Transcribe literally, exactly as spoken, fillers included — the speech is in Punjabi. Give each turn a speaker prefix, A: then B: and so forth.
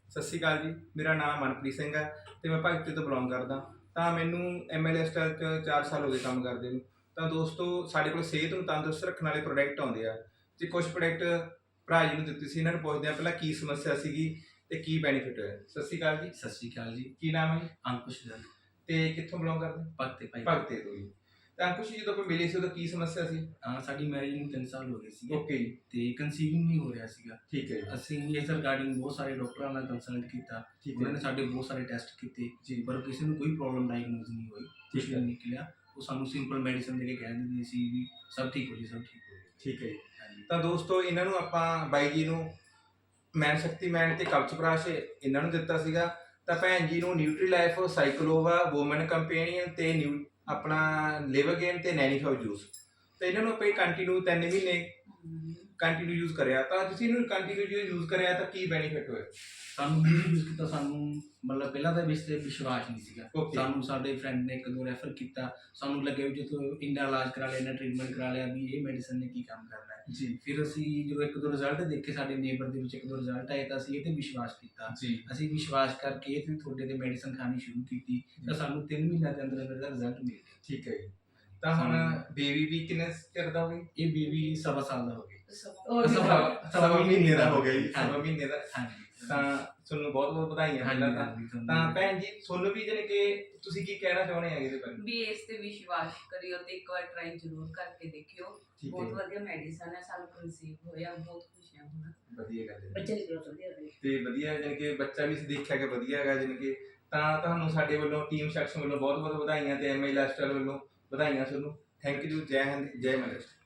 A: ਸਤਿ ਸ਼੍ਰੀ ਅਕਾਲ ਜੀ। ਮੇਰਾ ਨਾਮ ਮਨਪ੍ਰੀਤ ਸਿੰਘ ਹੈ ਤੇ ਮੈਂ ਭਗਤੀ ਤੋਂ ਬਿਲੋਂਗ ਕਰਦਾ। ਤਾਂ ਮੈਨੂੰ ਐਮ ਐਲ ਐਸਟਾਈਲ 'ਚ ਚਾਰ ਸਾਲ ਹੋ ਗਏ ਕੰਮ ਕਰਦੇ ਨੂੰ। ਤਾਂ ਦੋਸਤੋ, ਸਾਡੇ ਕੋਲ ਸਿਹਤ ਨੂੰ ਤੰਦਰੁਸਤ ਰੱਖਣ ਵਾਲੇ ਪ੍ਰੋਡਕਟ ਆਉਂਦੇ ਆ ਤੇ ਕੁਝ ਪ੍ਰੋਡਕਟ ਭਰਾ ਜੀ ਨੂੰ ਦਿੱਤੇ ਸੀ। ਇਹਨਾਂ ਨੂੰ ਪੁੱਛਦੇ ਆ ਪਹਿਲਾਂ ਕੀ ਸਮੱਸਿਆ ਸੀਗੀ ਤੇ ਕੀ ਬੈਨੀਫਿਟ ਹੋਇਆ। ਸਤਿ ਸ਼੍ਰੀ ਅਕਾਲ ਜੀ।
B: ਸਤਿ ਸ਼੍ਰੀ ਅਕਾਲ ਜੀ।
A: ਕੀ ਨਾਮ ਹੈ ਜੀ?
B: ਅੰਕੁਸ਼ ਗੱਲ
A: ਤੇ ਕਿੱਥੋਂ ਬਿਲੋਂਗ ਕਰਦੇ?
B: ਭਗਤੇ ਭਾਈ।
A: ਭਗਤੇ ਤੋਂ ਜੀ। ਤਾਂ ਅੰਕੁਸ਼ ਜੀ, ਜਦੋਂ ਆਪਾਂ ਮਿਲੇ ਸੀ ਉਦੋਂ ਕੀ ਸਮੱਸਿਆ ਸੀ?
B: ਅਹ ਸਾਡੀ ਮੈਰਿਜ ਨੂੰ ਤਿੰਨ ਸਾਲ ਹੋ ਗਏ ਸੀਗੇ
A: ਓਕੇ ਜੀ,
B: ਤੇ ਕਨਸੀਵਿੰਗ ਨਹੀਂ ਹੋ ਰਿਹਾ ਸੀਗਾ।
A: ਠੀਕ ਹੈ ਜੀ,
B: ਅਸੀਂ ਇਸ ਰਿਗਾਰਡਿੰਗ ਬਹੁਤ ਸਾਰੇ ਡਾਕਟਰਾਂ ਨਾਲ ਕੰਸਲਟ ਕੀਤਾ।
A: ਠੀਕ
B: ਉਹਨਾਂ
A: ਹੈ
B: ਨੇ ਸਾਡੇ ਬਹੁਤ ਸਾਰੇ ਟੈਸਟ ਕੀਤੇ
A: ਜੀ,
B: ਪਰ ਕਿਸੇ ਨੂੰ ਕੋਈ ਪ੍ਰੋਬਲਮ ਡਾਇਗਨੋਜ਼ ਨਹੀਂ ਹੋਈ, ਕੁਛ
A: ਠੀਕ
B: ਨਹੀਂ
A: ਹੈ
B: ਨਿਕਲਿਆ। ਉਹ ਸਾਨੂੰ ਸਿੰਪਲ ਮੈਡੀਸਨ ਦੇ ਕੇ ਕਹਿ ਦਿੰਦੇ ਸੀ ਵੀ ਸਭ ਠੀਕ ਹੋ ਜੀ, ਸਭ ਠੀਕ ਹੋ ਜੀ।
A: ਠੀਕ ਹੈ ਜੀ।
B: ਹਾਂਜੀ।
A: ਤਾਂ ਦੋਸਤੋ, ਇਹਨਾਂ ਨੂੰ ਆਪਾਂ ਬਾਈ ਜੀ ਨੂੰ ਮੈਨ ਸ਼ਕਤੀਮੈਨ ਤੇ ਕਵਚਪ੍ਰਾਸ਼ ਇਹਨਾਂ ਨੂੰ ਦਿੱਤਾ ਸੀਗਾ। ਤਾਂ ਭੈਣ ਜੀ ਨੂੰ ਨਿਊਟਰੀ ਲਾਈਫ, ਸਾਈਕਲੋਵਾ, ਵੂਮਨ ਕੰਪੇਨੀਅਨ ਤੇ ਨਿਊ ਆਪਣਾ ਲਿਵਰ ਗੇਨ ਤੇ ਨੈਨੀਫਾਉ ਜੂਸ। ਤੇ ਇਹਨਾਂ ਨੂੰ ਆਪਾਂ ਕੰਟੀਨਿਊ ਤਿੰਨ ਮਹੀਨੇ ਕੰਟੀਨਿਊ ਯੂਜ਼ ਕਰਿਆ। ਤਾਂ ਤੁਸੀਂ ਇਹਨੂੰ ਕੰਟੀਨਿਊ ਯੂਜ਼ ਕਰਿਆ ਤਾਂ ਕੀ ਬੈਨੀਫਿਟ ਹੋਇਆ?
B: ਸਾਨੂੰ ਯੂਜ਼ ਕੀਤਾ, ਸਾਨੂੰ ਮਤਲਬ ਪਹਿਲਾਂ ਤਾਂ ਇਸ 'ਤੇ ਵਿਸ਼ਵਾਸ ਨਹੀਂ ਸੀਗਾ।
A: Okay.
B: ਸਾਨੂੰ ਸਾਡੇ ਫਰੈਂਡ ਨੇ ਇੱਕ ਦੋ ਰੈਫਰ ਕੀਤਾ। ਸਾਨੂੰ ਲੱਗਿਆ ਵੀ ਜਦੋਂ ਇੰਨਾ ਇਲਾਜ ਕਰਾ ਲਿਆ, ਇੰਨਾ ਟ੍ਰੀਟਮੈਂਟ ਕਰਾ ਲਿਆ ਵੀ ਇਹ ਮੈਡੀਸਨ ਨੇ ਕੀ ਕੰਮ ਕਰਨਾ ਹੈ।
A: ਜੀ
B: ਫਿਰ ਅਸੀਂ ਜਦੋਂ ਇੱਕ ਦੋ ਰਿਜ਼ਲਟ ਦੇਖੇ, ਸਾਡੇ ਨੇਬਰ ਦੇ ਵਿੱਚ ਇੱਕ ਦੋ ਰਿਜ਼ਲਟ ਆਏ, ਤਾਂ ਅਸੀਂ ਇਹ 'ਤੇ ਵਿਸ਼ਵਾਸ ਕੀਤਾ।
A: ਜੀ
B: ਅਸੀਂ ਵਿਸ਼ਵਾਸ ਕਰਕੇ ਇਹ 'ਤੇ ਤੁਹਾਡੇ 'ਤੇ ਮੈਡੀਸਨ ਖਾਣੀ ਸ਼ੁਰੂ ਕੀਤੀ ਤਾਂ ਸਾਨੂੰ ਤਿੰਨ ਮਹੀਨਿਆਂ ਦੇ ਅੰਦਰ ਅੰਦਰ ਦਾ ਰਿਜ਼ਲਟ ਮਿਲ ਗਿਆ।
A: ਠੀਕ ਹੈ ਜੀ। ਤਾਂ ਹੁਣ ਬੇਬੀ ਵੀ ਕਿੰਨੇ ਚਿਰ ਦਾ ਹੋ ਗਿਆ?
B: ਇਹ ਬੇਬੀ ਸਵਾ ਸਾਲ ਦਾ ਹੋ ਗਿਆ।
A: ਸਵਾ ਸਵਾ ਮਹੀਨੇ ਦਾ ਹੋ ਗਿਆ ਜੀ। ਸਵਾ
B: ਹਾਂਜੀ।
A: ਮਹੀਨੇ ਦਾ।
B: ਹਾਂਜੀ।
A: ਤਾਂ ਤੁਹਾਨੂੰ ਬਹੁਤ ਬਹੁਤ ਵਧਾਈਆਂ ਪਹਿਲਾਂ ਤਾਂ।
B: ਹਾਂਜੀ।
A: ਤਾਂ ਭੈਣ ਜੀ, ਤੁਹਾਨੂੰ ਵੀ ਜਾਣੀ ਕਿ ਤੁਸੀਂ ਕੀ ਕਹਿਣਾ ਚਾਹੁੰਦੇ ਆ ਇਹਦੇ ਬਾਰੇ?
C: ਵੀ ਇਸ ਤੇ ਵਿਸ਼ਵਾਸ ਕਰਿਓ ਤੇ ਇੱਕ ਵਾਰ ਟਰਾਈ ਜ਼ਰੂਰ ਕਰਕੇ ਦੇਖਿਓ।
A: ਠੀਕ
C: ਬਹੁਤ
A: ਹੈ,
C: ਵਧੀਆ ਮੈਡੀਸਨ ਹੈ। ਸਾਨੂੰ ਕਨਸੀਵ ਹੋਇਆ, ਬਹੁਤ ਖੁਸ਼ ਹਾਂ ਹੁਣ।
A: ਵਧੀਆ ਗੱਲ ਹੈ
C: ਬੱਚੇ ਦੀ ਗਰੋਥ ਵਧੀਆ ਹੋਈ
A: ਤੇ ਵਧੀਆ, ਜਾਣੀ ਕਿ ਬੱਚਾ ਵੀ ਦੇਖਿਆ ਕਿ ਵਧੀਆ ਹੈਗਾ। ਜਾਣੀ ਕਿ ਤਾਂ ਤੁਹਾਨੂੰ ਸਾਡੇ ਵੱਲੋਂ ਟੀਮ ਸੈਕਸ਼ਨ ਵੱਲੋਂ ਬਹੁਤ ਬਹੁਤ ਵਧਾਈਆਂ ਤੇ ਐਮ ਐਲ ਐਸਟਾਈਲ ਵੱਲੋਂ ਵਧਾਈਆਂ ਤੁਹਾਨੂੰ। Thank you. ਜੈ ਹਿੰਦ, ਜੈ ਮਹਾਰਾਸ਼ਟਰ।